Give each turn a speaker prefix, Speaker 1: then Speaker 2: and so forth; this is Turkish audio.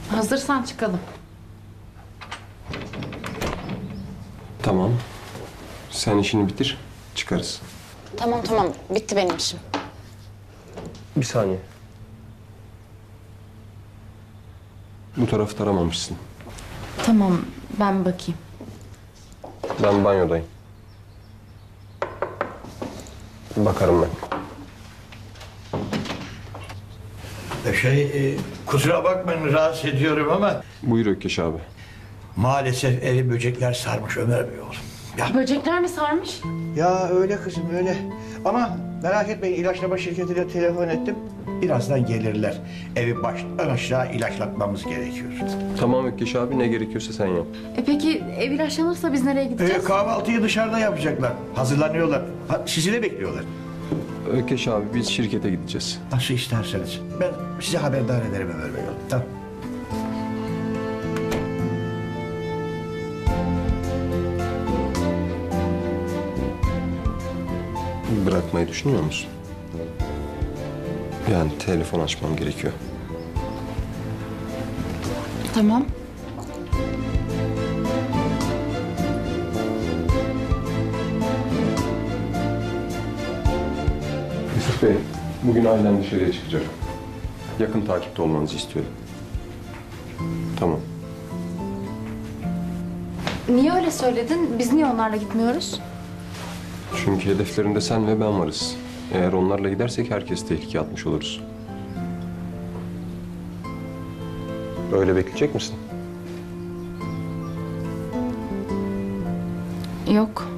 Speaker 1: Hazırsan çıkalım.
Speaker 2: Tamam. Sen işini bitir, çıkarız.
Speaker 3: Tamam bitti benim işim.
Speaker 2: Bir saniye. Bu tarafı taramamışsın.
Speaker 1: Tamam, ben bakayım.
Speaker 2: Ben banyodayım. Bakarım ben.
Speaker 4: Kusura bakmayın rahatsız ediyorum ama
Speaker 2: Buyur Ökkeş abi.
Speaker 4: maalesef evi böcekler sarmış Ömer Bey oğlum. Ya,
Speaker 1: Böcekler mi sarmış?
Speaker 4: ya öyle kızım öyle. Ama merak etmeyin ilaçlama şirketine telefon ettim. Birazdan gelirler. Evi baştan aşağı ilaçlatmamız gerekiyor.
Speaker 2: Tamam Ökkeş abi, ne gerekiyorsa sen yap.
Speaker 1: Peki ev ilaçlanırsa biz nereye gideceğiz?
Speaker 4: Kahvaltıyı dışarıda yapacaklar. Hazırlanıyorlar. Sizi de bekliyorlar.
Speaker 2: Ökkeş abi, biz şirkete gideceğiz.
Speaker 4: Nasıl isterseniz. Ben size haberdar ederim Ömer Bey oğlum. Tamam.
Speaker 2: Bırakmayı düşünüyor musun? Yani telefon açmam gerekiyor.
Speaker 1: Tamam.
Speaker 2: Yusuf Bey, bugün ailen dışarıya çıkacak. Yakın takipte olmanızı istiyorum. Tamam.
Speaker 1: Niye öyle söyledin? Biz niye onlarla gitmiyoruz?
Speaker 2: Çünkü hedeflerinde sen ve ben varız. Eğer onlarla gidersek herkes tehlikeye atmış oluruz. Öyle bekleyecek misin?
Speaker 1: Yok.